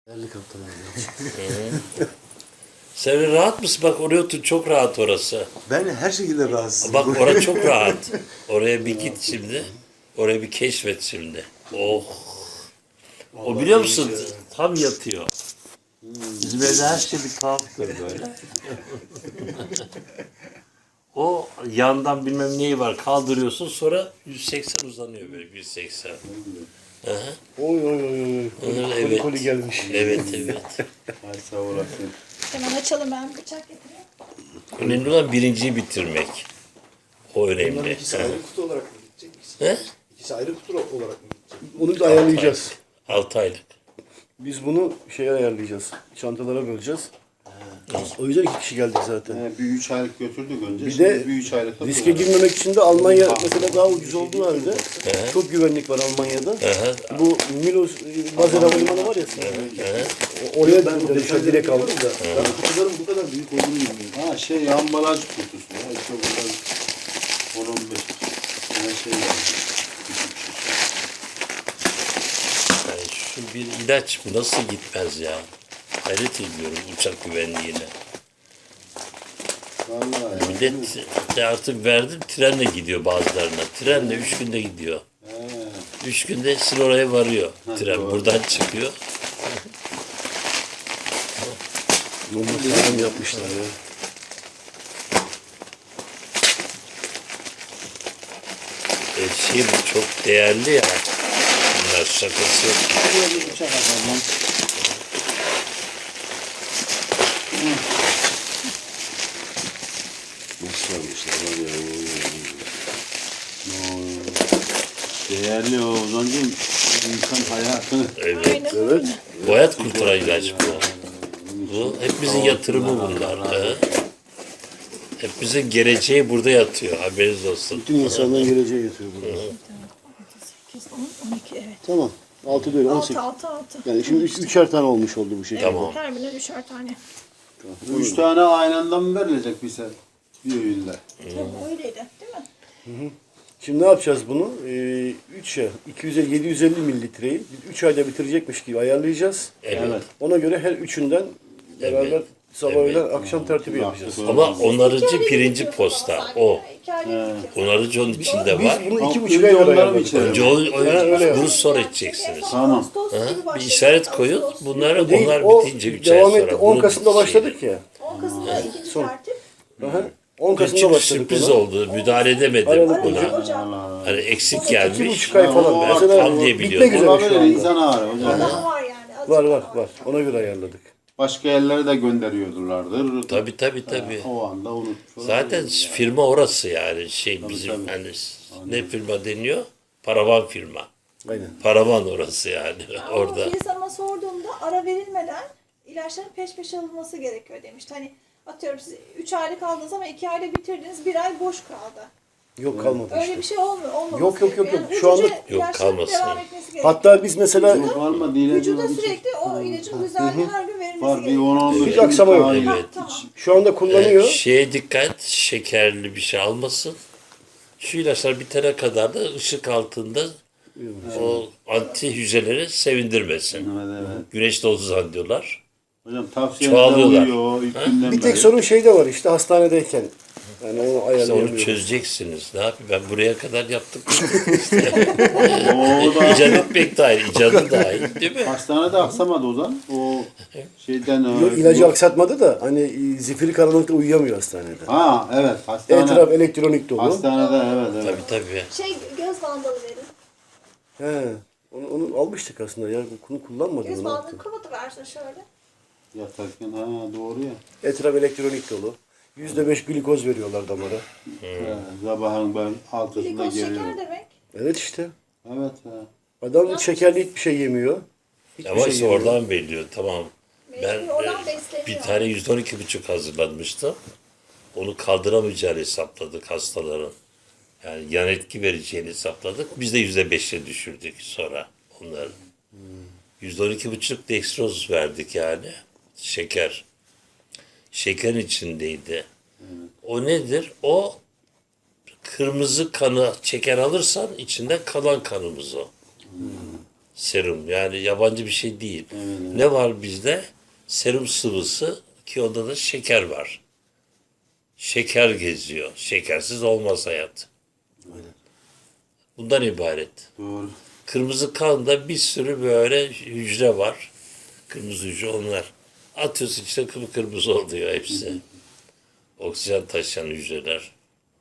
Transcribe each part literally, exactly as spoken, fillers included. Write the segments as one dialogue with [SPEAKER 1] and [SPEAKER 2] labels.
[SPEAKER 1] Helikopter
[SPEAKER 2] Sen rahat mısın? Bak oraya otur. Çok rahat orası.
[SPEAKER 1] Ben her şekilde rahatsızım.
[SPEAKER 2] Bak orası çok rahat. Oraya bir git şimdi. Oraya bir keşfet şimdi. Oh. O biliyor musun? Tam yatıyor. Bizim evde her şey bir tuhaftır böyle. O yandan bilmem neyi var kaldırıyorsun sonra yüz seksen uzanıyor böyle yüz seksen. Hı hı.
[SPEAKER 3] Oy oy oy oy. Koli, koli,
[SPEAKER 2] Evet.
[SPEAKER 3] koli gelmiş.
[SPEAKER 2] Evet evet.
[SPEAKER 4] Ay sağ olasın.
[SPEAKER 5] Hemen açalım, ben bıçak getireyim.
[SPEAKER 2] Önemli olan birinciyi bitirmek. O
[SPEAKER 1] Bunların
[SPEAKER 2] önemli.
[SPEAKER 1] ikisi
[SPEAKER 2] Hı.
[SPEAKER 1] ayrı kutu olarak mı gidecek?
[SPEAKER 2] He?
[SPEAKER 1] İkisi ayrı kutu olarak mı gidecek?
[SPEAKER 3] Onu da ayarlayacağız.
[SPEAKER 2] Altı aylık.
[SPEAKER 3] Biz bunu şeye ayarlayacağız. Çantalara böleceğiz. O yüzden iki kişi geldik zaten.
[SPEAKER 4] Ee, bir üç aylık götürdük önce.
[SPEAKER 3] Bir
[SPEAKER 4] Şimdi
[SPEAKER 3] de
[SPEAKER 4] bir üç aylık da
[SPEAKER 3] riske
[SPEAKER 4] bu.
[SPEAKER 3] girmemek için de Almanya mesela daha ucuz olduğu halde çok güvenlik var Almanya'da.
[SPEAKER 2] Hı.
[SPEAKER 3] Bu Milos Bazel Havalimanı var ya. o- Oraya ben de direkt aldım da.
[SPEAKER 1] Ben kutuların bu kadar büyük olduğunu bilmiyorum.
[SPEAKER 4] Ha şey ambalaj kutusu ya. İşte burada on on beş tane şey var.
[SPEAKER 2] Yani şu bir ilaç bu nasıl gitmez ya? Hayret ediyorum uçak güvenliğine.
[SPEAKER 4] Vallahi.
[SPEAKER 2] Millet de artık verdim trenle gidiyor bazılarına. Trenle üç günde gidiyor.
[SPEAKER 4] He.
[SPEAKER 2] Üç günde sizin oraya varıyor. Tren
[SPEAKER 4] doğru.
[SPEAKER 2] buradan çıkıyor.
[SPEAKER 3] Normal sağlam yapmışlar ya.
[SPEAKER 2] E, şey bu çok değerli ya. Bunlar şakası yok.
[SPEAKER 4] Şuraya bir bıçak atalım.
[SPEAKER 1] Nasıl almışlar var ya.
[SPEAKER 4] Oo. Değerli o Ozan'cığım. İnsan hayatını.
[SPEAKER 2] Evet.
[SPEAKER 5] Aynen öyle.
[SPEAKER 2] Bu hayat kurtaran ilaç bu. Bu hepimizin yatırımı bunlar. He? Hepimizin geleceği burada yatıyor. Haberiniz olsun.
[SPEAKER 3] Bütün insanların geleceği yatıyor burada.
[SPEAKER 5] sekiz, on, on iki, evet.
[SPEAKER 3] Tamam. altı değil on sekiz.
[SPEAKER 5] altı, altı, altı.
[SPEAKER 3] Yani şimdi üç, üçer tane olmuş oldu bu şekilde.
[SPEAKER 2] Tamam.
[SPEAKER 5] Her birine üçer tane.
[SPEAKER 4] Üç tane aynı anda mı verilecek bize? Bir öğünde.
[SPEAKER 5] Tabii öyleydi, değil mi?
[SPEAKER 3] Şimdi ne yapacağız bunu? Ee, üç ya iki yüz elli, yedi yüz elli mililitreyi üç ayda bitirecekmiş gibi ayarlayacağız.
[SPEAKER 2] Evet.
[SPEAKER 3] Ona göre her üçünden beraber
[SPEAKER 2] Evet.
[SPEAKER 3] sabah
[SPEAKER 2] Evet.
[SPEAKER 3] öğlen akşam tertibi yapacağız.
[SPEAKER 2] Ama onarıcı pirinci posta. O.
[SPEAKER 5] İki ayda bitiyor.
[SPEAKER 2] Onarıcı onun içinde
[SPEAKER 3] Biz
[SPEAKER 2] var.
[SPEAKER 3] bunu iki
[SPEAKER 4] Halk
[SPEAKER 3] buçuk ay
[SPEAKER 4] onları mı
[SPEAKER 3] ayarladık.
[SPEAKER 4] içelim?
[SPEAKER 2] Önce o, o-
[SPEAKER 3] öyle
[SPEAKER 2] bunu sonra içeceksiniz.
[SPEAKER 4] Tamam.
[SPEAKER 2] Bir işaret koyun. Bunları
[SPEAKER 3] Değil,
[SPEAKER 2] onlar
[SPEAKER 3] o
[SPEAKER 2] bitince üç ay
[SPEAKER 3] devam
[SPEAKER 2] sonra.
[SPEAKER 3] etti. on
[SPEAKER 2] bunu
[SPEAKER 3] Kasım'da
[SPEAKER 2] şey-
[SPEAKER 3] başladık ya.
[SPEAKER 5] on Kasım'da ikinci
[SPEAKER 3] Son.
[SPEAKER 5] tertip.
[SPEAKER 3] Aha. on Kasım'da
[SPEAKER 2] Küçük
[SPEAKER 3] başladık
[SPEAKER 2] sürpriz
[SPEAKER 3] ona.
[SPEAKER 2] oldu. Müdahale edemedim
[SPEAKER 3] Aralık
[SPEAKER 2] buna.
[SPEAKER 5] Ocak. Ocak.
[SPEAKER 2] Hani eksik
[SPEAKER 3] İki
[SPEAKER 2] gelmiş.
[SPEAKER 3] buçuk ay falan.
[SPEAKER 4] Ben
[SPEAKER 3] Mesela
[SPEAKER 2] tam diye
[SPEAKER 3] bitmek
[SPEAKER 2] biliyordum.
[SPEAKER 3] üzere şu
[SPEAKER 4] Olabilir
[SPEAKER 3] anda.
[SPEAKER 4] insan ağrı hocam.
[SPEAKER 5] Daha var yani. azıcık
[SPEAKER 3] Var var
[SPEAKER 5] daha
[SPEAKER 3] var. Ona göre ayarladık.
[SPEAKER 4] Başka yerlere de gönderiyordulardır.
[SPEAKER 2] Tabii tabii tabii.
[SPEAKER 4] O anda unutmuş.
[SPEAKER 2] Zaten
[SPEAKER 4] olabilir.
[SPEAKER 2] firma orası yani. Şey bizim
[SPEAKER 4] tabii.
[SPEAKER 2] hani ne firma deniyor? Paravan firma.
[SPEAKER 3] Aynen.
[SPEAKER 2] Paravan orası yani
[SPEAKER 5] Ama
[SPEAKER 2] orada.
[SPEAKER 5] Filiz Hanım'a sorduğumda ara verilmeden ilaçların peş peşe alınması gerekiyor demişti. Hani atıyorum siz üç aylık aldınız ama iki ayda bitirdiniz, bir ay boş kaldı.
[SPEAKER 3] Yok kalmadı
[SPEAKER 5] Öyle
[SPEAKER 3] işte.
[SPEAKER 5] bir şey olmuyor. Olmaması
[SPEAKER 3] Yok, yok, yok,
[SPEAKER 5] gerekiyor.
[SPEAKER 3] yok.
[SPEAKER 5] Yani
[SPEAKER 3] Şu anda-
[SPEAKER 5] ucuca
[SPEAKER 2] Yok,
[SPEAKER 5] ilaçların
[SPEAKER 2] kalmasın.
[SPEAKER 5] devam etmesi gerekiyor.
[SPEAKER 3] Hatta biz mesela
[SPEAKER 4] Yok, var mı? Değil,
[SPEAKER 5] Vücuda
[SPEAKER 4] değil.
[SPEAKER 5] sürekli o ilacın düzenli her gün verilmesi
[SPEAKER 4] Var bir
[SPEAKER 5] gerekiyor.
[SPEAKER 4] on on
[SPEAKER 3] Hiç aksama yok.
[SPEAKER 2] Evet.
[SPEAKER 5] Ha, tamam.
[SPEAKER 3] şu anda kullanıyor.
[SPEAKER 2] Şeye dikkat, şekerli bir şey almasın. Şu ilaçlar bitene kadar da ışık altında o anti hücreleri sevindirmesin.
[SPEAKER 4] Evet evet.
[SPEAKER 2] Güneşte otuz zannediyorlar.
[SPEAKER 4] Hocam tavsiyeler
[SPEAKER 2] Çoğalıyorlar.
[SPEAKER 4] uyuyor ilk günden
[SPEAKER 3] Bir tek
[SPEAKER 4] beri.
[SPEAKER 3] sorun şeyde var işte hastanedeyken. Yani onu
[SPEAKER 2] İşte onu
[SPEAKER 3] ayarlayamıyoruz.
[SPEAKER 2] çözeceksiniz. Ne yapayım ben buraya kadar yaptık.
[SPEAKER 4] O da
[SPEAKER 2] İcat etmek dahil, icadı dahil değil mi?
[SPEAKER 4] hastanede aksamadı Ozan. O şeyden
[SPEAKER 3] Yok, ilacı aksatmadı da hani e, zifiri karanlıkta uyuyamıyor hastanede.
[SPEAKER 4] Ha evet hastane.
[SPEAKER 3] Etraf elektronik dolu.
[SPEAKER 4] Hastanede evet evet.
[SPEAKER 2] Tabii tabii.
[SPEAKER 5] Şey, göz bandalı verin.
[SPEAKER 3] He. Onu, onu almıştık aslında ya. Bunu kullanmadım.
[SPEAKER 5] Göz
[SPEAKER 3] Ne
[SPEAKER 5] bandını
[SPEAKER 3] yaptım?
[SPEAKER 5] kapatıversin şöyle.
[SPEAKER 4] Yatarken ha doğru ya.
[SPEAKER 3] Etraf elektronik dolu. Yüzde beş glikoz veriyorlar damara.
[SPEAKER 4] He, sabahın ben altısında
[SPEAKER 5] Glikoz şeker
[SPEAKER 4] geliyorum.
[SPEAKER 5] demek.
[SPEAKER 3] Evet işte.
[SPEAKER 4] Evet ha.
[SPEAKER 3] Adam şekerli hiçbir şey yemiyor. Hiçbir
[SPEAKER 2] Ama
[SPEAKER 3] şey
[SPEAKER 2] işte
[SPEAKER 3] yemiyor.
[SPEAKER 2] oradan belliyor tamam. Ben
[SPEAKER 5] Mecbur oradan
[SPEAKER 2] e,
[SPEAKER 5] besleniyor.
[SPEAKER 2] bir tane yüzde on iki buçuk hazırlanmıştım. Onu kaldıramayacağını hesapladık hastaların. Yani yan etki vereceğini hesapladık. Biz de yüzde beşe düşürdük sonra onları. Yüzde on iki buçuk dextroz verdik yani. Şeker. Şeker içindeydi. O nedir? O kırmızı kanı şeker alırsan içinde kalan kanımız o. Serum yani yabancı bir şey değil.
[SPEAKER 4] Evet.
[SPEAKER 2] Ne var bizde? Serum sıvısı ki onda da şeker var. Şeker geziyor. Şekersiz olmaz hayat. Bundan ibaret.
[SPEAKER 4] Doğru.
[SPEAKER 2] Kırmızı kanda bir sürü böyle hücre var. Kırmızı hücre onlar. Atıyorsun işte kıpkırmızı oluyor hepsi. Oksijen taşıyan hücreler.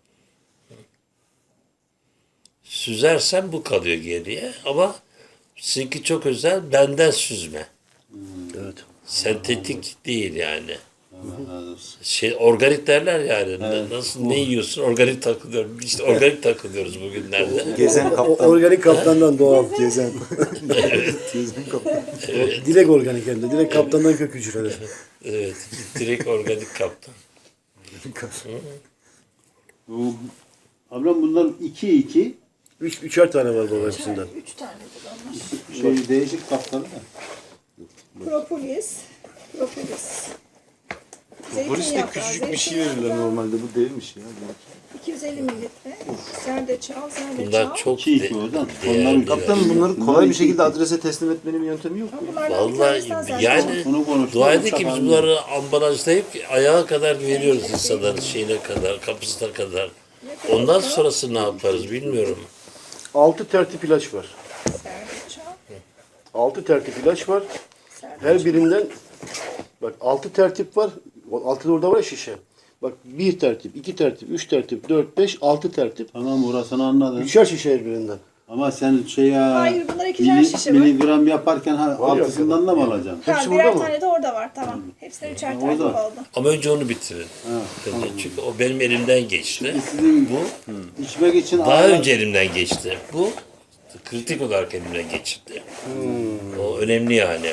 [SPEAKER 2] Süzersen bu kalıyor geriye ama sizinki çok özel benden süzme.
[SPEAKER 3] Evet.
[SPEAKER 2] Sentetik değil yani.
[SPEAKER 4] Allah razı olsun.
[SPEAKER 2] Şey organik derler yani. Na- Nasıl ne yiyorsun? Organik takılıyorum. İşte organik takılıyoruz bugünlerde.
[SPEAKER 1] Gezen
[SPEAKER 3] O,
[SPEAKER 1] kaptan.
[SPEAKER 3] organik kaptandan doğal gezen.
[SPEAKER 1] Gezen kaptan.
[SPEAKER 3] Direkt organik hem de. Direkt kaptandan kök hücreler.
[SPEAKER 2] Evet. Direkt organik kaptan.
[SPEAKER 4] Bu, ablam bunlar iki iki
[SPEAKER 3] Üç, üçer tane var baba hepsinden.
[SPEAKER 5] Üç tanedir onlar.
[SPEAKER 4] şey değişik kapları da.
[SPEAKER 5] Propolis. Propolis.
[SPEAKER 1] Polis de
[SPEAKER 5] Zeytinyağı,
[SPEAKER 1] küçücük bir şey
[SPEAKER 5] zeytinyağı,
[SPEAKER 1] verirler normalde. Bu değilmiş ya.
[SPEAKER 5] iki yüz elli mililitre. Zerdeçal, zerdeçal.
[SPEAKER 2] Bunlar çok
[SPEAKER 4] iki iki
[SPEAKER 2] de-
[SPEAKER 4] oradan.
[SPEAKER 2] değerli.
[SPEAKER 4] Onların
[SPEAKER 1] Kaptanım bunları
[SPEAKER 4] Bunlar
[SPEAKER 1] kolay bir
[SPEAKER 4] iki-
[SPEAKER 1] şekilde adrese teslim etmenin bir yöntemi yok mu?
[SPEAKER 5] Bunlardan bir
[SPEAKER 2] Vallahi
[SPEAKER 5] tanesinden zerdeçal.
[SPEAKER 2] yani
[SPEAKER 4] Bunu konuştuk.
[SPEAKER 2] dua edin ki biz
[SPEAKER 4] Uçak
[SPEAKER 2] bunları ambalajlayıp ayağa kadar veriyoruz insanların şeyine kadar, kapısına kadar. Ondan sonrası ne yaparız bilmiyorum.
[SPEAKER 3] Altı tertip ilaç var.
[SPEAKER 5] Zerdeçal,
[SPEAKER 3] Altı tertip ilaç var.
[SPEAKER 5] zerdeçal.
[SPEAKER 3] Her birinden bak altı tertip var. O altıda orada var ya şişe. Bak bir tertip, iki tertip, üç tertip, dört, beş, altı tertip.
[SPEAKER 4] Tamam orasını anladım.
[SPEAKER 3] Üçer şişe her birinden.
[SPEAKER 4] Ama sen şey ya
[SPEAKER 5] Hayır, bunlar ikişer
[SPEAKER 4] mili-
[SPEAKER 5] şişe var.
[SPEAKER 4] miligram yaparken ha,
[SPEAKER 3] Var ya
[SPEAKER 4] altısından da mı alacaksın?
[SPEAKER 5] Ha,
[SPEAKER 3] Hepsi
[SPEAKER 5] birer
[SPEAKER 3] burada mı?
[SPEAKER 5] tane de orada var, tamam. Hepsine üçer
[SPEAKER 4] Ha,
[SPEAKER 5] tane
[SPEAKER 4] orada.
[SPEAKER 5] oldu.
[SPEAKER 2] Ama önce onu bitirin.
[SPEAKER 4] Ha,
[SPEAKER 2] Çünkü o benim elimden geçti.
[SPEAKER 4] Sizin bu içmek için
[SPEAKER 2] Daha
[SPEAKER 4] ağır-
[SPEAKER 2] önce elimden geçti. Bu kritik olarak elimden geçti. O önemli yani.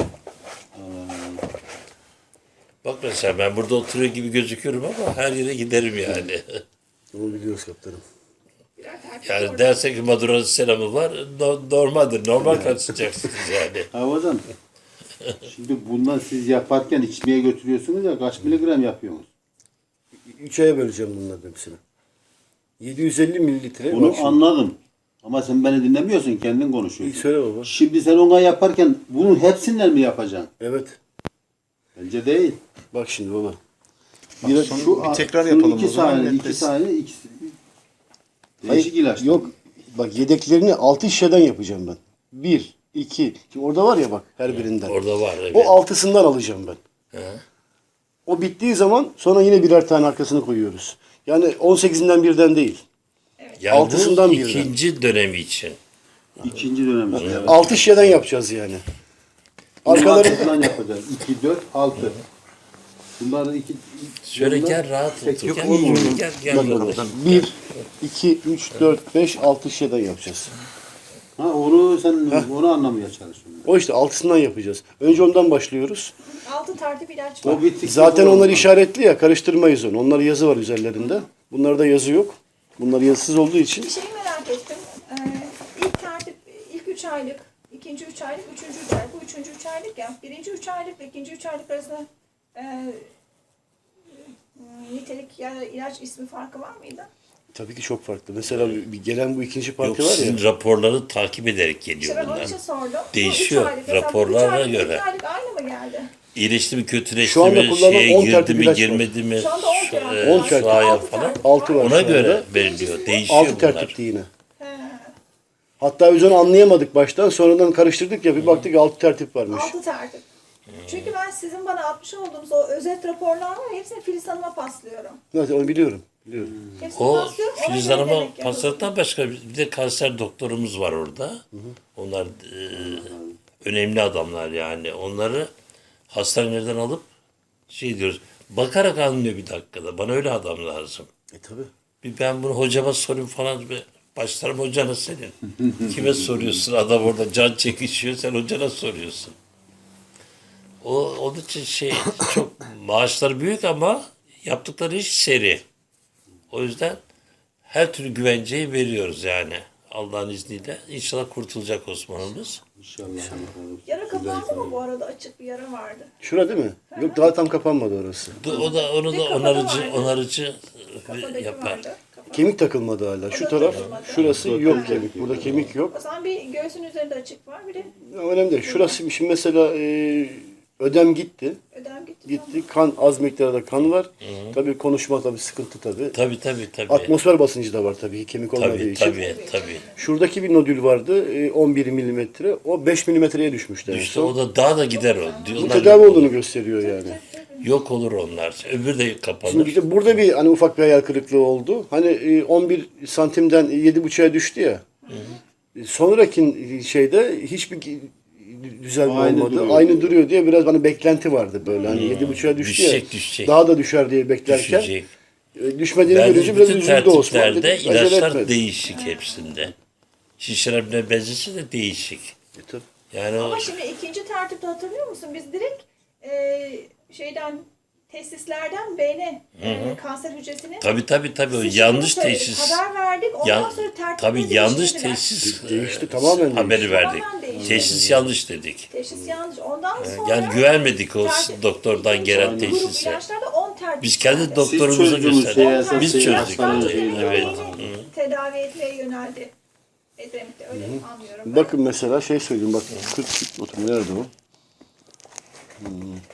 [SPEAKER 2] Bak mesela ben burada oturuyor gibi gözüküyorum ama her yere giderim yani.
[SPEAKER 3] Onu biliyoruz kaptanım.
[SPEAKER 5] Birer tane
[SPEAKER 2] Yani
[SPEAKER 5] orada.
[SPEAKER 2] derse ki Maduro'nun selamı var, no- normaldir. Normal karşılayacaksınız yani.
[SPEAKER 4] Ha hocam. Şimdi bundan siz yaparken içmeye götürüyorsunuz ya kaç miligram yapıyorsunuz?
[SPEAKER 3] Üç aya böleceğim bunların hepsini. yedi yüz elli mililitre.
[SPEAKER 4] Bunu
[SPEAKER 3] Bak şimdi.
[SPEAKER 4] anladım. Ama sen beni dinlemiyorsun, kendin
[SPEAKER 3] İyi
[SPEAKER 4] konuşuyorsun.
[SPEAKER 3] söyle baba.
[SPEAKER 4] Şimdi sen ona yaparken bunun hepsinden mi yapacaksın?
[SPEAKER 3] Evet.
[SPEAKER 4] Bence değil.
[SPEAKER 3] Bak şimdi baba.
[SPEAKER 1] Bir, son, bir tekrar
[SPEAKER 4] şunun
[SPEAKER 1] yapalım
[SPEAKER 4] iki
[SPEAKER 1] o zaman.
[SPEAKER 4] saniye, iki
[SPEAKER 1] netleşsin.
[SPEAKER 4] saniye, ikisi.
[SPEAKER 3] Hayır,
[SPEAKER 4] Değişik ilaç.
[SPEAKER 3] yok. Bak yedeklerini altı şişeden yapacağım ben. Bir, iki. Şimdi orada var ya bak her birinden.
[SPEAKER 2] Orada var evet.
[SPEAKER 3] O altısından alacağım ben.
[SPEAKER 2] He.
[SPEAKER 3] O bittiği zaman sonra yine birer tane arkasını koyuyoruz. Yani on sekizinden birden değil.
[SPEAKER 2] Yani
[SPEAKER 3] altısından
[SPEAKER 2] bu
[SPEAKER 3] birden.
[SPEAKER 2] ikinci dönemi için.
[SPEAKER 4] İkinci dönem. Evet.
[SPEAKER 3] Altı şişeden yapacağız yani.
[SPEAKER 4] Arkalarından
[SPEAKER 3] Arkalarında
[SPEAKER 4] yapacağız. iki, dört, altı. Bunları iki...
[SPEAKER 2] Şöyle
[SPEAKER 4] bunlar-
[SPEAKER 2] gel rahat
[SPEAKER 4] Tek-
[SPEAKER 2] otur.
[SPEAKER 4] Yok,
[SPEAKER 2] Gel,
[SPEAKER 1] olmuyor.
[SPEAKER 2] gel, gel,
[SPEAKER 3] bak,
[SPEAKER 2] kardeş.
[SPEAKER 3] bak, bir, iki, üç, dört, beş, altı şişeden yapacağız.
[SPEAKER 4] Ha onu sen onu anlamaya çalışıyorsun.
[SPEAKER 3] O işte altısından yapacağız. Önce ondan başlıyoruz.
[SPEAKER 5] Altı tertip ilaç var.
[SPEAKER 4] O bittikten
[SPEAKER 3] Zaten
[SPEAKER 4] sonra
[SPEAKER 3] onlar
[SPEAKER 4] olmaz.
[SPEAKER 3] işaretli ya, karıştırmayız onu. Onlar yazı var üzerlerinde. Bunlarda yazı yok. Bunlar yazısız olduğu için.
[SPEAKER 5] Bir şeyi merak ettim. Ee, ilk tertip, ilk üç aylık, ikinci üç aylık, üçüncü üç aylık. Bu üçüncü üç aylık ya. Birinci üç aylık ve ikinci üç aylık arasında e, nitelik ya da ilaç ismi farkı var mıydı?
[SPEAKER 3] Tabii ki çok farklı. Mesela bir gelen bu ikinci
[SPEAKER 2] Yok
[SPEAKER 3] parti var ya.
[SPEAKER 2] sizin raporları takip ederek geliyor
[SPEAKER 5] İşte ben onun
[SPEAKER 2] bunlar.
[SPEAKER 5] için sordum. Bu
[SPEAKER 2] Değişiyor,
[SPEAKER 5] üç aylık. Mesela bu üç
[SPEAKER 2] raporlara
[SPEAKER 5] aylık,
[SPEAKER 2] göre.
[SPEAKER 5] iki aylık aynı mı geldi?
[SPEAKER 2] İyileşti mi, kötüleşti
[SPEAKER 3] Şu anda
[SPEAKER 2] mi,
[SPEAKER 3] kullanılan
[SPEAKER 2] şeye
[SPEAKER 3] on
[SPEAKER 2] girdi
[SPEAKER 3] tertip
[SPEAKER 2] mi,
[SPEAKER 3] ilaç var.
[SPEAKER 2] girmedi mi,
[SPEAKER 5] Şu anda on
[SPEAKER 2] şu-
[SPEAKER 5] tertip.
[SPEAKER 2] e,
[SPEAKER 3] on tertip.
[SPEAKER 2] sahaya
[SPEAKER 5] Altı
[SPEAKER 2] falan.
[SPEAKER 5] tertip
[SPEAKER 3] Altı var.
[SPEAKER 2] Ona
[SPEAKER 3] şu anda.
[SPEAKER 2] göre veriliyor, değişiyor
[SPEAKER 3] Altı
[SPEAKER 2] bunlar.
[SPEAKER 3] tertipti yine.
[SPEAKER 5] He.
[SPEAKER 3] Hatta biz onu anlayamadık baştan. Sonradan karıştırdık ya bir baktık altı tertip varmış.
[SPEAKER 5] Altı tertip. Çünkü ben sizin bana atmış olduğunuz o özet raporlar var ya, hepsini Filiz Hanım'a paslıyorum.
[SPEAKER 3] Evet, onu biliyorum. Biliyorum.
[SPEAKER 5] Hepsini
[SPEAKER 2] O
[SPEAKER 5] paslıyorum. ona
[SPEAKER 2] Filiz
[SPEAKER 5] göre
[SPEAKER 2] Hanım'a
[SPEAKER 5] demek yapıyorum.
[SPEAKER 2] paslattan başka bir de kanser doktorumuz var orada. Onlar e, önemli adamlar yani. Onları hastanelerden alıp şey diyoruz. Bakarak anlıyor bir dakikada. Bana öyle adam lazım.
[SPEAKER 3] E tabi.
[SPEAKER 2] Bir ben bunu hocama sorayım falan. Bir başlarım hocana senin. Kime soruyorsun? Adam orada can çekişiyor. Sen hocana soruyorsun. O, onun için şey çok maaşları büyük ama yaptıkları iş seri. O yüzden her türlü güvenceyi veriyoruz yani. Allah'ın izniyle. İnşallah kurtulacak Osman'ımız.
[SPEAKER 4] İnşallah.
[SPEAKER 5] Yara kapandı mı bu arada? Açık bir yara vardı.
[SPEAKER 3] Şura değil mi? Yok daha tam kapanmadı orası.
[SPEAKER 2] O da onu
[SPEAKER 5] Bir
[SPEAKER 2] da
[SPEAKER 5] kafada
[SPEAKER 2] onarıcı
[SPEAKER 5] vardı.
[SPEAKER 2] onarıcı
[SPEAKER 5] Kafadaki
[SPEAKER 2] yapar.
[SPEAKER 5] vardı. Kafa-
[SPEAKER 3] Kemik takılmadı hala. Şu
[SPEAKER 5] da
[SPEAKER 3] taraf,
[SPEAKER 5] takılmadı.
[SPEAKER 3] şurası yok kemik. Burada kemik yok.
[SPEAKER 5] O zaman bir göğüs Göğsün üzerinde açık var. Bir de
[SPEAKER 3] Ya önemli değil. Şurası şimdi mesela e, ödem gitti.
[SPEAKER 5] ödem gitti.
[SPEAKER 3] Gitti. Kan az miktarda kan var. Tabii konuşma tabii sıkıntı tabii.
[SPEAKER 2] Tabii tabii tabii.
[SPEAKER 3] Atmosfer basıncı da var tabii kemik olmadığı
[SPEAKER 2] Tabii
[SPEAKER 3] için.
[SPEAKER 2] tabii tabii.
[SPEAKER 3] Şuradaki bir nodül vardı e, on bir milimetre. O beş milimetreye düşmüştü. en
[SPEAKER 2] İşte
[SPEAKER 3] son.
[SPEAKER 2] o da daha da gider o.
[SPEAKER 3] Bu
[SPEAKER 2] Diyorlar,
[SPEAKER 3] tedavi olduğunu gösteriyor yani.
[SPEAKER 2] yok olur onlar. Öbür de kapanır.
[SPEAKER 3] Şimdi işte burada bir hani ufak bir hayal kırıklığı oldu. Hani e, on bir santimden yedi buçuğa düştü ya. E, Sonraki şeyde hiçbir düzelme
[SPEAKER 4] Aynı
[SPEAKER 3] olmadı.
[SPEAKER 4] duruyor.
[SPEAKER 3] Aynı duruyor diye biraz hani beklenti vardı böyle. Hani yedi buçuğa düştü ya.
[SPEAKER 2] Düşecek, düşecek.
[SPEAKER 3] Daha da düşer diye beklerken
[SPEAKER 2] Düşecek.
[SPEAKER 3] e, düşmediğini
[SPEAKER 2] Verdiğimiz
[SPEAKER 3] görünce biraz
[SPEAKER 2] bütün
[SPEAKER 3] üzüldü Osman.
[SPEAKER 2] tertiplerde
[SPEAKER 3] Dedik, acele
[SPEAKER 2] ilaçlar
[SPEAKER 3] etmedi.
[SPEAKER 2] değişik hepsinde. Şişirebilme bezesi de değişik.
[SPEAKER 3] E, tabii.
[SPEAKER 2] Yani o
[SPEAKER 5] Ama şimdi ikinci tertipte hatırlıyor musun? Biz direkt e, şeyden testislerden beyne e, kanser hücresini
[SPEAKER 2] tabii tabii tabii o
[SPEAKER 5] Siz
[SPEAKER 2] yanlış
[SPEAKER 5] şunu söyledik,
[SPEAKER 2] teşhis.
[SPEAKER 5] haber verdik. Ondan
[SPEAKER 2] Yan-
[SPEAKER 5] sonra tertipleri
[SPEAKER 2] tabii yanlış
[SPEAKER 5] değiştirdiler.
[SPEAKER 2] teşhis
[SPEAKER 3] Değişti,
[SPEAKER 2] e,
[SPEAKER 3] tamamen
[SPEAKER 2] haberi
[SPEAKER 3] değişti.
[SPEAKER 2] verdik.
[SPEAKER 5] Tamamen değişti.
[SPEAKER 2] Teşhis yanlış dedik.
[SPEAKER 5] Teşhis yanlış. Ondan sonra
[SPEAKER 2] Yani güvenmedik o
[SPEAKER 5] tertip-
[SPEAKER 2] doktordan
[SPEAKER 5] ikinci
[SPEAKER 2] gelen
[SPEAKER 5] grup
[SPEAKER 2] teşhise.
[SPEAKER 5] ilaçlarda on tertip
[SPEAKER 2] Biz kendi
[SPEAKER 5] verdi.
[SPEAKER 2] doktorumuza
[SPEAKER 4] çözdünüz
[SPEAKER 2] gösterdik.
[SPEAKER 4] şeyi, esas
[SPEAKER 2] Biz
[SPEAKER 4] şeyi,
[SPEAKER 2] çözdük.
[SPEAKER 4] hastanın
[SPEAKER 2] Evet.
[SPEAKER 4] şeyini.
[SPEAKER 2] evet.
[SPEAKER 5] Beyni tedavi etmeye yöneldi. Edremit'te öyle anlıyorum. ben.
[SPEAKER 3] Bakın mesela şey söyleyeyim bak kırk oturma nerede o? Hmm.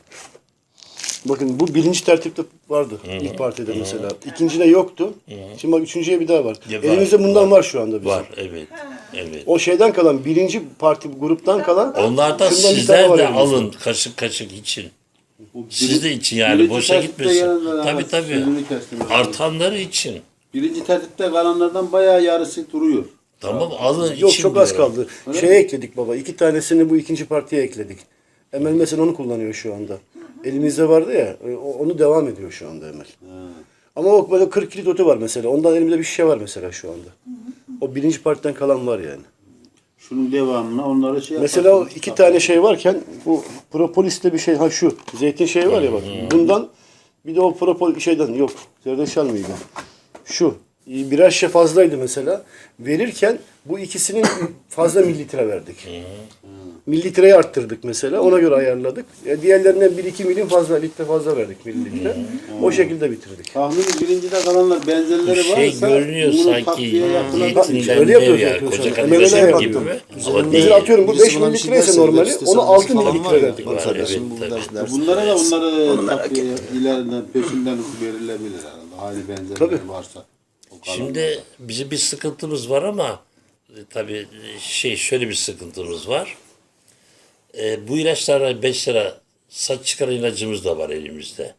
[SPEAKER 3] Bakın bu birinci tertipte vardı ilk partide mesela. İkincide yoktu. Şimdi bak üçüncüye bir daha var.
[SPEAKER 2] Ya var,
[SPEAKER 3] Elimizde bundan var, şu anda bizim.
[SPEAKER 2] Var evet. Evet.
[SPEAKER 3] O şeyden kalan birinci parti gruptan kalan
[SPEAKER 2] Onlardan
[SPEAKER 3] şundan bir tane
[SPEAKER 2] sizler
[SPEAKER 3] var
[SPEAKER 2] de
[SPEAKER 3] elimizde.
[SPEAKER 2] alın kaşık kaşık için.
[SPEAKER 4] Bu
[SPEAKER 2] Siz de için yani
[SPEAKER 4] birinci
[SPEAKER 2] boşa
[SPEAKER 4] tertipte
[SPEAKER 2] gitmesin.
[SPEAKER 4] gelenler
[SPEAKER 2] Tabii
[SPEAKER 4] ama
[SPEAKER 2] tabii.
[SPEAKER 4] sözünü kestim.
[SPEAKER 2] Artanları için.
[SPEAKER 4] Birinci tertipte kalanlardan bayağı yarısı duruyor.
[SPEAKER 2] Tamam alın
[SPEAKER 3] Yok
[SPEAKER 2] için
[SPEAKER 3] çok az
[SPEAKER 2] diyorum.
[SPEAKER 3] kaldı. Şeye ekledik baba. İki tanesini bu ikinci partiye ekledik. Emel mesela onu kullanıyor şu anda. Elimizde vardı ya. e, o- Onu devam ediyor şu anda Emel. Ama o böyle kırk kilit otu var mesela. Ondan elimde bir şişe var mesela şu anda. O birinci partiden kalan var yani.
[SPEAKER 4] Şunun devamına onları şey
[SPEAKER 3] Mesela o
[SPEAKER 4] yaparsınız.
[SPEAKER 3] iki tane şey varken bu propolisle bir şey ha şu zeytin şeyi var ya bak. Bundan bir de o propol şeyden yok. Zerdeçal mıydı? Şu birer şişe fazlaydı mesela. Verirken bu ikisinin fazla mililitre verdik. Mililitreyi arttırdık mesela. Ona göre ayarladık. E, diğerlerine bir iki milim fazla, litre fazla verdik mililitre. O şekilde bitirdik.
[SPEAKER 4] Tahmini birincide kalanlar benzerleri
[SPEAKER 2] Bir şey
[SPEAKER 4] varsa
[SPEAKER 2] görünüyor
[SPEAKER 4] bunu
[SPEAKER 2] sanki
[SPEAKER 4] takviye yapılan-
[SPEAKER 2] zeytinden
[SPEAKER 3] Öyle
[SPEAKER 2] dev
[SPEAKER 3] yapıyoruz,
[SPEAKER 2] ya.
[SPEAKER 3] yapıyoruz
[SPEAKER 2] Koca
[SPEAKER 3] şu an.
[SPEAKER 2] kardeşim
[SPEAKER 3] M M L'ye
[SPEAKER 2] gibi
[SPEAKER 3] baktım.
[SPEAKER 2] mi?
[SPEAKER 1] Üzerinde-
[SPEAKER 2] Ama
[SPEAKER 3] Mesela
[SPEAKER 2] değil.
[SPEAKER 3] atıyorum bu
[SPEAKER 1] Birisi
[SPEAKER 3] beş
[SPEAKER 1] bana bir şey
[SPEAKER 3] mililitre ise
[SPEAKER 1] derse,
[SPEAKER 3] normali
[SPEAKER 1] derste
[SPEAKER 3] onu
[SPEAKER 1] sana
[SPEAKER 3] altı
[SPEAKER 1] falan var
[SPEAKER 3] mililitre
[SPEAKER 1] ya,
[SPEAKER 3] verdik
[SPEAKER 1] bak
[SPEAKER 3] mesela.
[SPEAKER 1] kardeşim bu
[SPEAKER 2] Tabii,
[SPEAKER 1] ders-
[SPEAKER 2] tabii.
[SPEAKER 1] ders-
[SPEAKER 4] Bunlara da
[SPEAKER 1] ders-
[SPEAKER 4] onları takviye ileriden peşinden verilebilir herhalde. Aynı benzerleri
[SPEAKER 3] Tabii.
[SPEAKER 4] varsa. O kalanlar.
[SPEAKER 2] Şimdi bizim bir sıkıntımız var ama e, tabii şey şöyle bir sıkıntımız var. E, bu ilaçlara beş lira saç çıkaran ilacımız da var elimizde.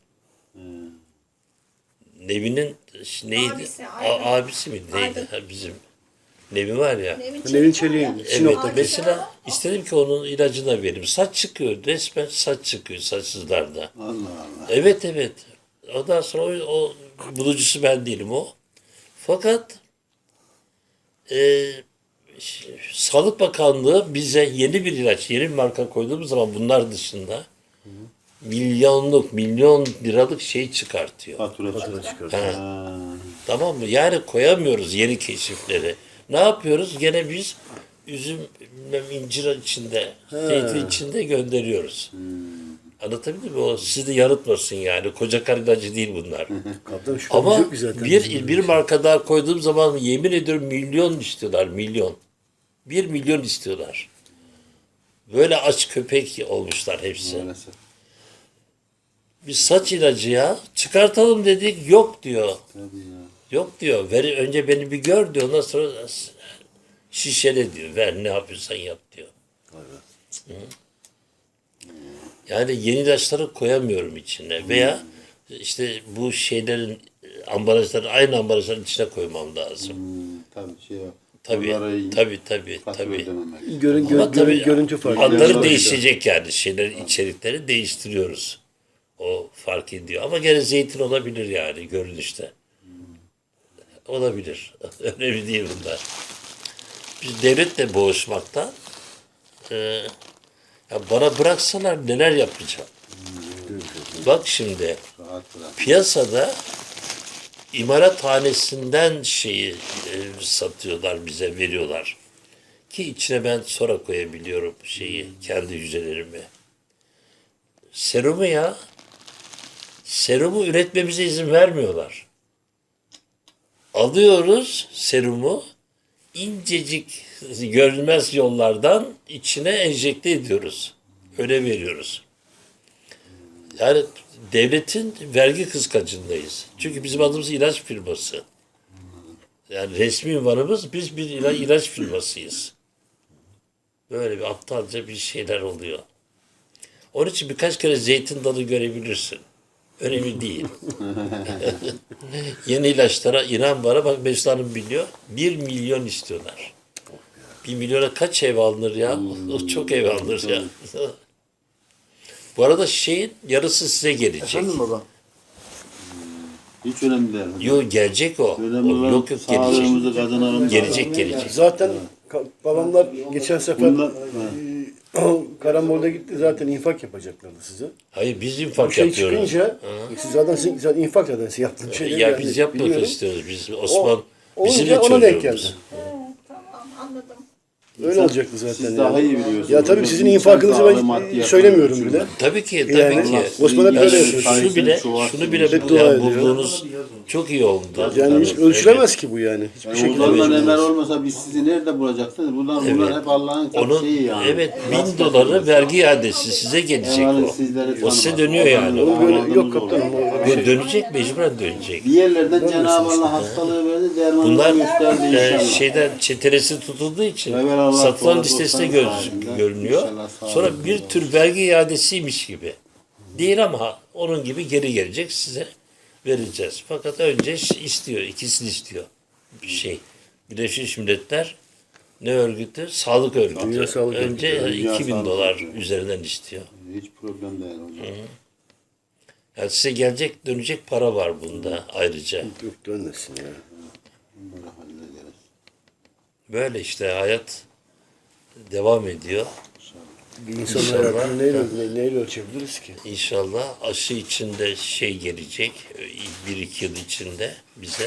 [SPEAKER 2] Nevi'nin ş- neydi?
[SPEAKER 5] Abisi,
[SPEAKER 2] A-
[SPEAKER 5] Aydın.
[SPEAKER 2] abisi mi neydi?
[SPEAKER 5] Aydın.
[SPEAKER 2] Ha, bizim. Nevi var ya.
[SPEAKER 5] Nevin
[SPEAKER 3] Nevin
[SPEAKER 5] Çelik var ya.
[SPEAKER 3] Çelik'in
[SPEAKER 2] Evet,
[SPEAKER 3] Sinop'taki.
[SPEAKER 2] mesela istedim ki onun ilacını da vereyim. Saç çıkıyor, resmen saç çıkıyor saçsızlarda.
[SPEAKER 4] Allah Allah.
[SPEAKER 2] Evet evet. Ondan sonra o, o bulucusu ben değilim o. Fakat e, ş- Sağlık Bakanlığı bize yeni bir ilaç, yeni bir marka koyduğumuz zaman bunlar dışında milyonluk, milyon liralık şey çıkartıyor.
[SPEAKER 4] Fatura çıkıyor.
[SPEAKER 2] Ha,
[SPEAKER 4] Ha.
[SPEAKER 2] tamam mı? Yani koyamıyoruz yeni keşifleri. Ne yapıyoruz? Gene biz üzüm, bilmem incir içinde, zeytin içinde gönderiyoruz. Anlatabildim mi? O sizi de yanıltmasın yani. Koca karı ilacı değil bunlar.
[SPEAKER 3] Kaptan şüphemiz
[SPEAKER 2] Ama
[SPEAKER 3] yok ki zaten.
[SPEAKER 2] bir, bir marka daha koyduğum zaman yemin ediyorum milyon istiyorlar. Milyon. Bir milyon istiyorlar. Böyle aç köpek olmuşlar hepsi.
[SPEAKER 4] Maalesef.
[SPEAKER 2] Bir saç ilacı ya. Çıkartalım dedik. Yok diyor.
[SPEAKER 4] Tabii ya.
[SPEAKER 2] Yok diyor. Ver, önce beni bir gör diyor. Ondan sonra şişele diyor. Ver ne yapıyorsan yap diyor. Hı. Yani yeni ilaçları koyamıyorum içine. Veya işte bu şeylerin ambalajları aynı ambalajların içine koymam lazım.
[SPEAKER 4] Hmm, tabii şey yap.
[SPEAKER 2] Tabii,
[SPEAKER 4] Onlara
[SPEAKER 2] tabii, tabii,
[SPEAKER 4] fatura
[SPEAKER 2] tabii.
[SPEAKER 4] ödememek.
[SPEAKER 3] Görün, gö-
[SPEAKER 2] Ama
[SPEAKER 3] görün-
[SPEAKER 2] tabii
[SPEAKER 3] görüntü farkı.
[SPEAKER 2] adları
[SPEAKER 4] Yani-
[SPEAKER 2] değişecek yani. Şeyler, içerikleri değiştiriyoruz. O fark ediyor. Ama gene zeytin olabilir yani görünüşte. Olabilir. Önemli değil bunlar. Biz devletle boğuşmakta e, ya bana bıraksalar neler yapacağım. Bak şimdi
[SPEAKER 4] Rahat bırak.
[SPEAKER 2] piyasada imalathanesinden şeyi e, satıyorlar bize veriyorlar. Ki içine ben sonra koyabiliyorum şeyi kendi hücrelerimi. Serumu ya serumu üretmemize izin vermiyorlar. Alıyoruz serumu incecik görünmez yollardan içine enjekte ediyoruz. Öyle veriyoruz. Yani devletin vergi kıskacındayız. Çünkü bizim adımız ilaç firması. Yani resmi ünvanımız biz bir ila- ilaç firmasıyız. Böyle bir aptalca bir şeyler oluyor. Onun için birkaç kere zeytin dalı görebilirsin. Önemli değil. Yeni ilaçlara inan bana bak Mesut Hanım biliyor. Bir milyon istiyorlar. Bir milyona kaç ev alınır ya? O çok ev alınır ya. Bu arada şeyin yarısı size gelecek.
[SPEAKER 1] Efendim baba?
[SPEAKER 4] Hiç önemli değil.
[SPEAKER 2] Yok gelecek o.
[SPEAKER 4] Önemli
[SPEAKER 2] o
[SPEAKER 4] olan
[SPEAKER 2] yok yok gelecek.
[SPEAKER 4] sağlığımızı kazanalım.
[SPEAKER 2] Gelecek gelecek.
[SPEAKER 3] Zaten ka- babamlar geçen sefer
[SPEAKER 4] Bunlar-
[SPEAKER 3] e, Karambol'da gitti zaten infak yapacaklardı size.
[SPEAKER 2] Hayır biz
[SPEAKER 3] Bu
[SPEAKER 2] infak
[SPEAKER 3] şey
[SPEAKER 2] yapıyoruz.
[SPEAKER 3] çıkınca siz zaten, siz zaten infak zaten siz yaptığınız şeyleri
[SPEAKER 2] Ya
[SPEAKER 3] ben
[SPEAKER 2] biz
[SPEAKER 3] de
[SPEAKER 2] yapmak
[SPEAKER 3] biliyorum.
[SPEAKER 2] istiyoruz. Biz Osman
[SPEAKER 3] O-
[SPEAKER 2] bizim
[SPEAKER 3] olunca
[SPEAKER 2] de
[SPEAKER 3] ona denk
[SPEAKER 2] çocuğumuz.
[SPEAKER 3] geldi.
[SPEAKER 5] He, tamam anladım.
[SPEAKER 3] Öyle olacaktı zaten.
[SPEAKER 4] Siz
[SPEAKER 3] yani.
[SPEAKER 4] daha iyi biliyorsunuz.
[SPEAKER 3] Ya tabii sizin
[SPEAKER 4] İnsan
[SPEAKER 3] infakınızı
[SPEAKER 4] sağlığı,
[SPEAKER 3] ben
[SPEAKER 4] maddiyat
[SPEAKER 3] söylemiyorum
[SPEAKER 4] konusunda.
[SPEAKER 3] bile.
[SPEAKER 2] Tabii ki, tabii
[SPEAKER 3] Yani
[SPEAKER 2] ki.
[SPEAKER 3] Osman hep
[SPEAKER 2] Ya
[SPEAKER 3] böyle
[SPEAKER 2] şu,
[SPEAKER 3] yapıyor.
[SPEAKER 2] şunu bile,
[SPEAKER 4] Çoğalsın,
[SPEAKER 2] şunu bile
[SPEAKER 3] hep
[SPEAKER 2] bu-
[SPEAKER 3] dua
[SPEAKER 2] yani
[SPEAKER 3] ediyor.
[SPEAKER 2] bulduğunuz çok iyi oldu.
[SPEAKER 3] Yani hiç
[SPEAKER 2] Tabii,
[SPEAKER 3] ölçülemez ki bu yani. Hiçbir
[SPEAKER 4] Yani
[SPEAKER 3] şekilde.
[SPEAKER 4] Ozan'la Ömer olmasa biz sizi nerede bulacaksınız? Bunlar, bunlar
[SPEAKER 2] Evet.
[SPEAKER 4] hep Allah'ın
[SPEAKER 2] Onun,
[SPEAKER 4] şeyi yani.
[SPEAKER 2] evet bin doları vergi iadesi size gelecek
[SPEAKER 4] Eyvallah,
[SPEAKER 2] o.
[SPEAKER 4] sizleri
[SPEAKER 2] O size
[SPEAKER 4] tanımaz.
[SPEAKER 2] dönüyor yani.
[SPEAKER 3] Onu böyle
[SPEAKER 4] Anladığımız
[SPEAKER 3] yok
[SPEAKER 4] olur.
[SPEAKER 3] kaptanım. o
[SPEAKER 2] Bu
[SPEAKER 3] şey.
[SPEAKER 2] dönecek, mecburen dönecek.
[SPEAKER 4] Bir yerlerden Cenab-ı Allah hastalığı verdi, dermanını
[SPEAKER 2] Bunlar
[SPEAKER 4] gösterdi
[SPEAKER 2] e,
[SPEAKER 4] inşallah.
[SPEAKER 2] şeyden çetelesi tutulduğu için
[SPEAKER 4] Evet, Allah
[SPEAKER 2] satılan
[SPEAKER 4] korusun,
[SPEAKER 2] listesine
[SPEAKER 4] dostlar
[SPEAKER 2] gör-
[SPEAKER 4] halinde.
[SPEAKER 2] görünüyor.
[SPEAKER 4] İnşallah sağ
[SPEAKER 2] Sonra
[SPEAKER 4] olun.
[SPEAKER 2] bir tür vergi iadesiymiş gibi. Değil ama onun gibi geri gelecek size vereceğiz. Fakat önce ş- istiyor, ikisini istiyor. Bir şey. Birleşmiş Milletler ne örgütü? Sağlık örgütü.
[SPEAKER 3] Dünya Sağlık
[SPEAKER 2] önce
[SPEAKER 4] Örgütü. Dünya
[SPEAKER 2] iki bin
[SPEAKER 4] Sağlık
[SPEAKER 2] dolar
[SPEAKER 4] Örgütü.
[SPEAKER 2] üzerinden istiyor.
[SPEAKER 4] Hiç problem değil hocam.
[SPEAKER 2] Yani size gelecek, dönecek para var bunda ayrıca.
[SPEAKER 3] Yok dönmesin ya.
[SPEAKER 4] Bunları hallederiz.
[SPEAKER 2] Böyle işte hayat devam ediyor.
[SPEAKER 3] Bir insan
[SPEAKER 2] İnşallah.
[SPEAKER 3] hayatını neyle, ne- neyle ölçebiliriz ki?
[SPEAKER 2] İnşallah aşı içinde şey gelecek, bir iki yıl içinde bize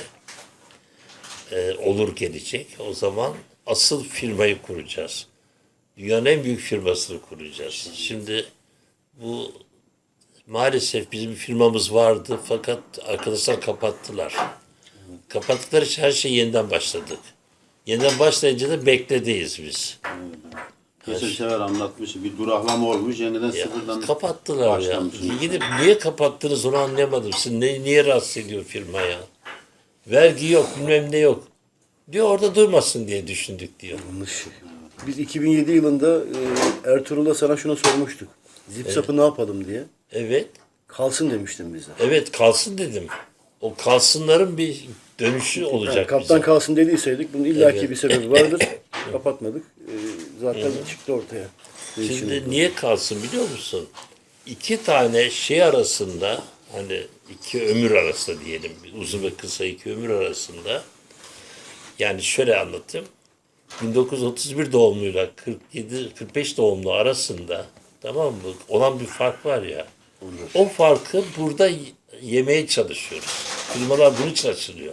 [SPEAKER 2] e, olur gelecek. O zaman asıl firmayı kuracağız. Dünyanın en büyük firmasını kuracağız. Şimdi bu maalesef bizim bir firmamız vardı fakat arkadaşlar kapattılar. Kapattıkları için her şey yeniden başladık. Yeniden başlayınca da bekledeyiz biz.
[SPEAKER 4] Geçen sefer anlatmış, bir duraklama olmuş, yeniden
[SPEAKER 2] Ya,
[SPEAKER 4] sıfırdan
[SPEAKER 2] kapattılar ya.
[SPEAKER 4] başlamış.
[SPEAKER 2] Gidip niye kapattınız onu anlayamadım. Siz ne, niye rahatsız ediyor firma ya? Vergi yok, bilmem ne yok. Diyor orada durmasın diye düşündük diyor.
[SPEAKER 3] Yanlış. Biz iki bin yedi yılında e, Ertuğrul'da sana şunu sormuştuk. Zip sapı ne yapalım diye.
[SPEAKER 2] Evet,
[SPEAKER 3] Kalsın demiştin bize.
[SPEAKER 2] evet kalsın dedim. O kalsınların bir dönüşü olacak
[SPEAKER 3] Yani kaptan
[SPEAKER 2] bize.
[SPEAKER 3] kalsın dediyseydik bunun illaki
[SPEAKER 2] Evet.
[SPEAKER 3] bir sebebi vardır. Kapatmadık. E, zaten çıktı ortaya. Değişim
[SPEAKER 2] Şimdi
[SPEAKER 3] oldu.
[SPEAKER 2] niye kalsın biliyor musun? İki tane şey arasında hani iki ömür arasında diyelim uzun ve kısa iki ömür arasında yani şöyle anlatayım. bin dokuz yüz otuz bir doğumluyla kırk yedi kırk beş doğumlu arasında tamam mı? Olan bir fark var ya. O farkı burada y- yemeye çalışıyoruz. Firmalar bunun için açılıyor.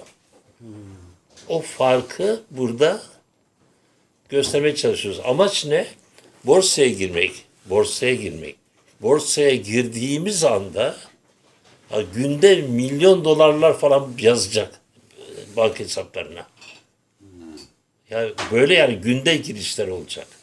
[SPEAKER 2] O farkı burada göstermeye çalışıyoruz. Amaç ne? Borsaya girmek. Borsaya girmek. Borsaya girdiğimiz anda ha, günde milyon dolarlar falan yazacak e, banka hesaplarına. Yani böyle yani günde girişler olacak.